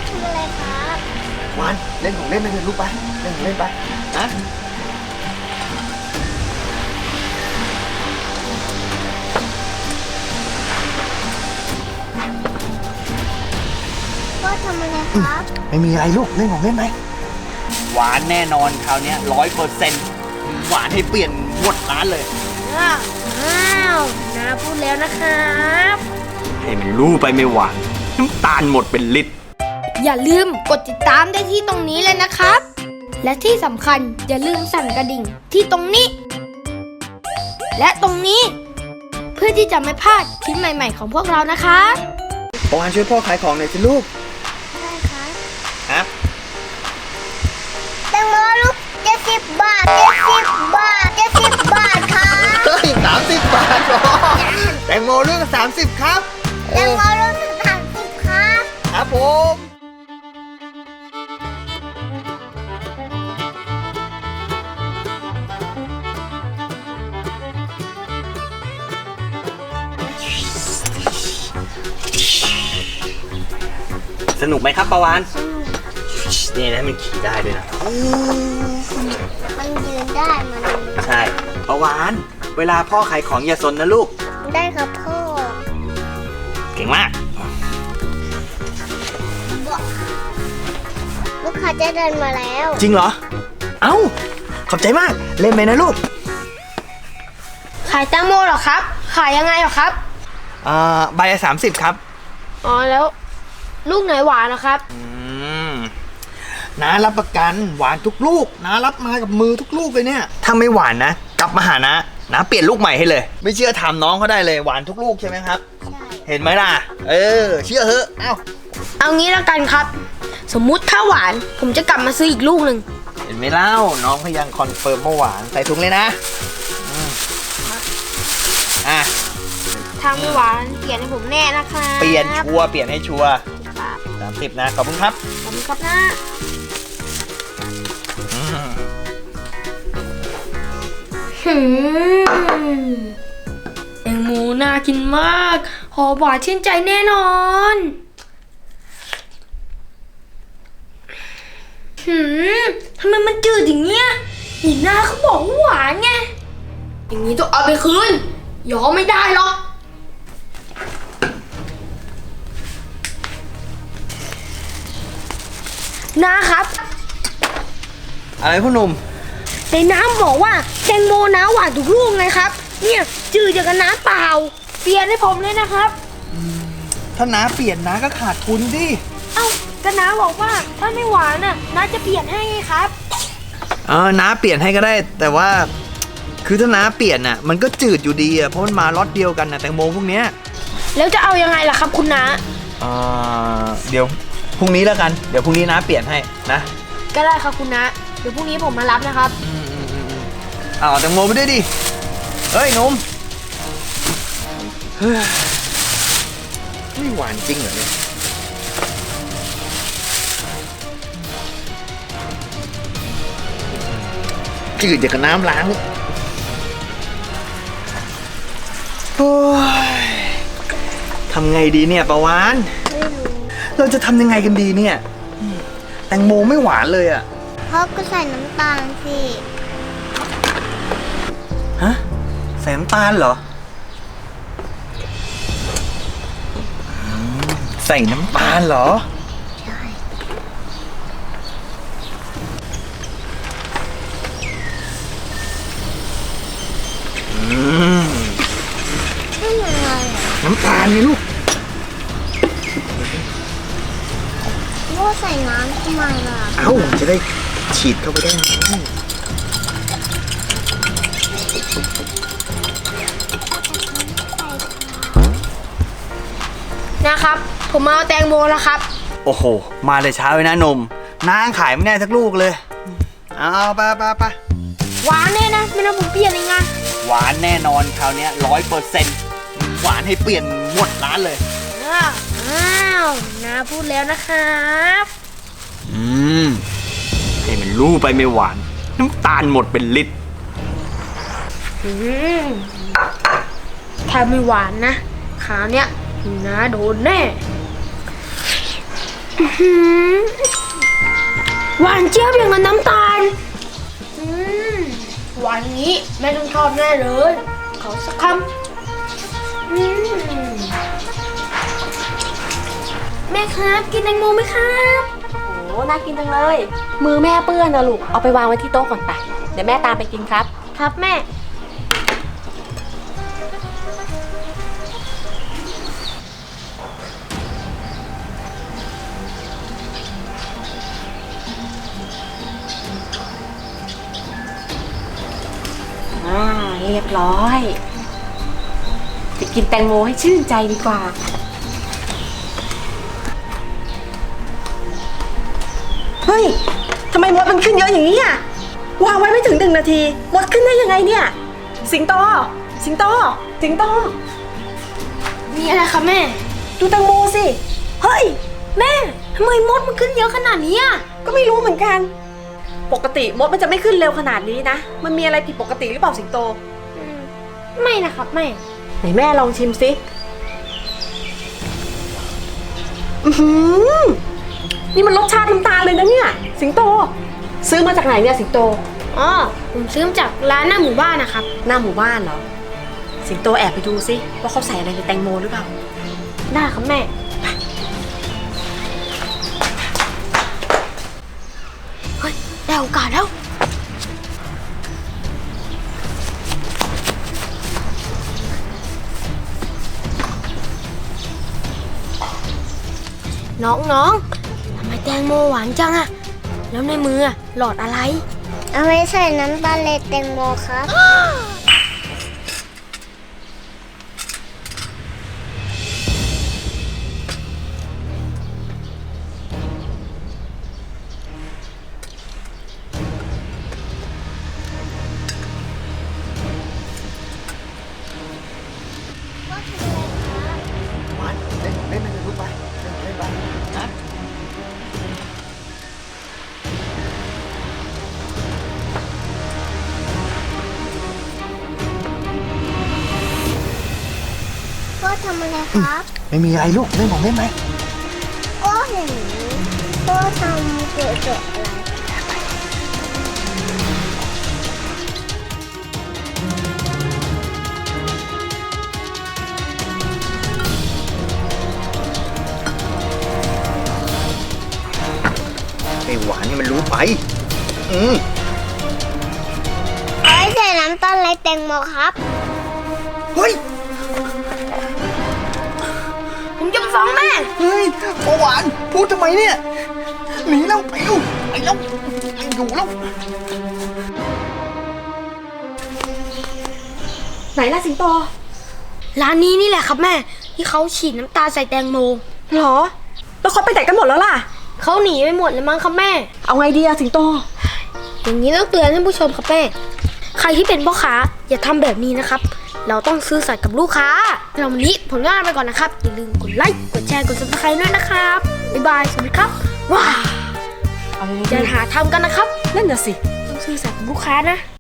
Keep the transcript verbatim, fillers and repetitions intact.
ทำอะไรครับวานเล่นของเล่นไปเถอะลูกไปเล่นของเล่นไปนะพ่อทำอะไรครับไม่มีอะไรลูกเล่นของเล่นไหมหวานแน่นอนคราวนี้ร้อยเปอร์เซ็นต์หวานให้เปลี่ยนหมดร้านเลยว้าวน้าพูดแล้วนะครับให้มันรู้ไปไม่หวานน้ำตาลหมดเป็นลิตรอย่าลืมกดติดตามได้ที่ตรงนี้เลยนะครับ และที่สำคัญอย่าลืมสั่นกระดิ่งที่ตรงนี้ และตรงนี้ เพื่อที่จะไม่พลาดคลิปใหม่ๆของพวกเรานะคะปวานช่วยพ่อขายของหน่อยสิลูกได้ครับครับแตงโมลูกเจ็ดสิบบาทเจ็ดสิบบาทเจ็ดสิบบาทครับเฮ้ยสามสิบบาทหรอแตงโมลูกสามสิบครับแตงโมลูกสามสิบครับครับผมสนุกไหมครับปาวานนี่นะมันขี่ได้ด้วยนะมันยืนได้มันใช่ปาวานเวลาพ่อขายของอย่าสนนะลูกได้ครับพ่อเก่งมากลูกค้าจะเดินมาแล้วจริงเหรอเอ้าขอบใจมากเล่นไปนะลูกขายแตงโมเหรอครับขายยังไงเหรอครับอ่าใบละสามสิบครับอ๋อแล้วลูกไหนหวานนะครับอืมน้ารับประกันหวานทุกลูกน้ารับมากับมือทุกลูกเลยเนี่ยถ้าไม่หวานนะกลับมาหานะน้าเปลี่ยนลูกใหม่ให้เลยไม่เชื่อถามน้องเขาได้เลยหวานทุกลูกใช่ไหมครับใช่เห็นไหมล่ะเออเชื่อเหอะเอ้าเอางี้แล้วกันครับสมมุติถ้าหวานผมจะกลับมาซื้ออีกลูกหนึ่งเห็นไหมเล่าน้องพยังคอนเฟิร์มว่าหวานใส่ถุงเลยนะอ่ะทำไม่หวานเปลี่ยนให้ผมแน่นะคะเปลี่ยนชัวร์เปลี่ยนให้ชัวร์สามสิบนะขอบคุณครับขอบคุณครับนะหืมแตงโมน่ากินมากหอมหวานชื่นใจแน่นอนหืมทำไมมันจืดอย่างเงี้ยอีหน้าเขาบอกว่าหวานไงอย่างนี้ต้องเอาไปคืนยอมไม่ได้หรอกน้าครับอะไรพ่อหนุ่มในน้ำบอกว่าแตงโมน้าหวานทุกลูกไงครับเนี่ยจืดจากน้ำเปล่าเปลี่ยนให้ผมเลยนะครับถ้าน้าเปลี่ยนน้าก็ขาดทุนดิเอ้าก็น้าบอกว่าถ้าไม่หวานน่ะน้าจะเปลี่ยนให้ไงครับเออน้าเปลี่ยนให้ก็ได้แต่ว่าคือถ้าน้าเปลี่ยนน่ะมันก็จืดอยู่ดีอ่ะเพราะมันมาล็อตเดียวกันนะแตงโมพวกเนี้ยแล้วจะเอายังไงล่ะครับคุณน้าอ่าเดี๋ยวพรุ่งนี้แล้วกันเดี๋ยวพรุ่งนี้น้าเปลี่ยนให้นะก็ได้ครับคุณน้าเดี๋ยวพรุ่งนี้ผมมารับนะครับอ้าวแตงโมไปด้วยดิเฮ้ยหนุ่มไม่หวานจริงเหรอเนี่ยจืดจากน้ำล้างโอ้ยทำไงดีเนี่ยปะวานเราจะทำยังไงกันดีเนี่ยแตงโมไม่หวานเลยอ่ะพ่อก็ใส่น้ำตาลสิฮะใส่น้ำตาลเหรอใส่น้ำตาลเหรอใช่อืมน้ำตาลนี่ลูกพ่อใส่น้ำทำไมล่ะเอ้าจะได้ฉีดเข้าไปได้นะครับผมเอาแตงโมแล้วครับโอ้โหมาเลยเช้าเลยนะนมน้าขายไม่ได้สักลูกเลยเอาไปไปไปหวานแน่นะไม่ต้องผมเปลี่ยนเองนะหวานแน่นอนคราวนี้ร้อยเปอร์เซ็นต์หวานให้เปลี่ยนหมดร้านเลยอ้าวน้าพูดแล้วนะครับอืมให้มันรู้ไปไม่หวานน้ำตาลหมดเป็นลิตรถ้าไม่หวานนะคราวเนี้ยน้าโดนแน่หืมหวานเจี๊ยบอย่างกับน้ำตาลอืมวันนี้แม่ต้องชอบแน่เลยขอสักคำอืมแม่ครับกินแตงโมไหมครับโอ้น่ากินจังเลย มือแม่เปื้อนนะลูก เอาไปวางไว้ที่โต๊ะก่อนไป เดี๋ยวแม่ตามไปกินครับครับแม่อ่า เรียบร้อย ไปกินแตงโมให้ชื่นใจดีกว่า เฮ้ย ทำไมมดมันขึ้นเยอะอย่างนี้อ่ะ วางไว้ไม่ถึงหนึ่งนาที มดขึ้นได้ยังไงเนี่ย สิงโต สิงโต สิงโตมีอะไรครับแม่ดูแตงโมสิ เฮ้ยแม่ทำไมมดมันขึ้นเยอะขนาดนี้อ่ะก็ไม่รู้เหมือนกัน ปกติมดมันจะไม่ขึ้นเร็วขนาดนี้นะ มันมีอะไรผิดปกติหรือเปล่าสิงโตอืมไม่นะครับแม่ไหนแม่ลองชิมสิอือหือนี่มันรสชาติน้ำตาลเลยนะเนี่ย สิงโต ซื้อมาจากไหนเนี่ยสิงโตอ๋อ ผมซื้อมาจากร้านหน้าหมู่บ้านนะครับหน้าหมู่บ้านเหรอ สิงโตแอบไปดูสิว่าเขาใส่อะไรในแตงโมหรือเปล่าได้ครับแม่ เฮ้ย ได้โอกาสแล้ว น้องๆ ทำไมแตงโมหวานจังอะแล้วในมืออะหลอดอะไรเอาไว้ใส่น้ำตาลในแตงโมครับหวานเล่นเล่นไปเลยลูกไปเล่นเล่นไปนะพ่อทำอะไรครับไม่มีอะไรลูกเล่นของเล่นไหมก็เห็นพ่อทำเกิดเกิดอะไรไอ้หวานนี่มันรู้ไป อืมเอาไว้ใส่น้ำตาลในแตงโมครับเฮ้ยผมจะไปฟ้องแม่เฮ้ยโอหวานพูดทำไมเนี่ยหนีแล้วไปลูกไปแล้วไปอยู่แล้วไหนล่ะสิงโตร้านนี้นี่แหละครับแม่ ที่เขาฉีดน้ำตาลใส่แตงโมหรอ แล้วเขาไปไหนกันหมดแล้วล่ะเขาหนีไปหมดเลยมั้งครับแม่เอาไงดีอะสิงโตอย่างนี้ต้องเตือนท่านผู้ชมครับแม่ ใครที่เป็นพ่อค้าอย่าทำแบบนี้นะครับ เราต้องซื่อสัตย์กับลูกค้าเราวันนี้ผลงานไปก่อนนะครับ อย่าลืมกดไลค์ กดแชร์ กดซับสไครต์ด้วยนะครับ บ๊ายบาย สวัสดีครับ ว้าวเอาไงอย่าดีหาทำกันนะครับนั่นน่ะสิต้องซื่อสัตย์กับลูกค้านะ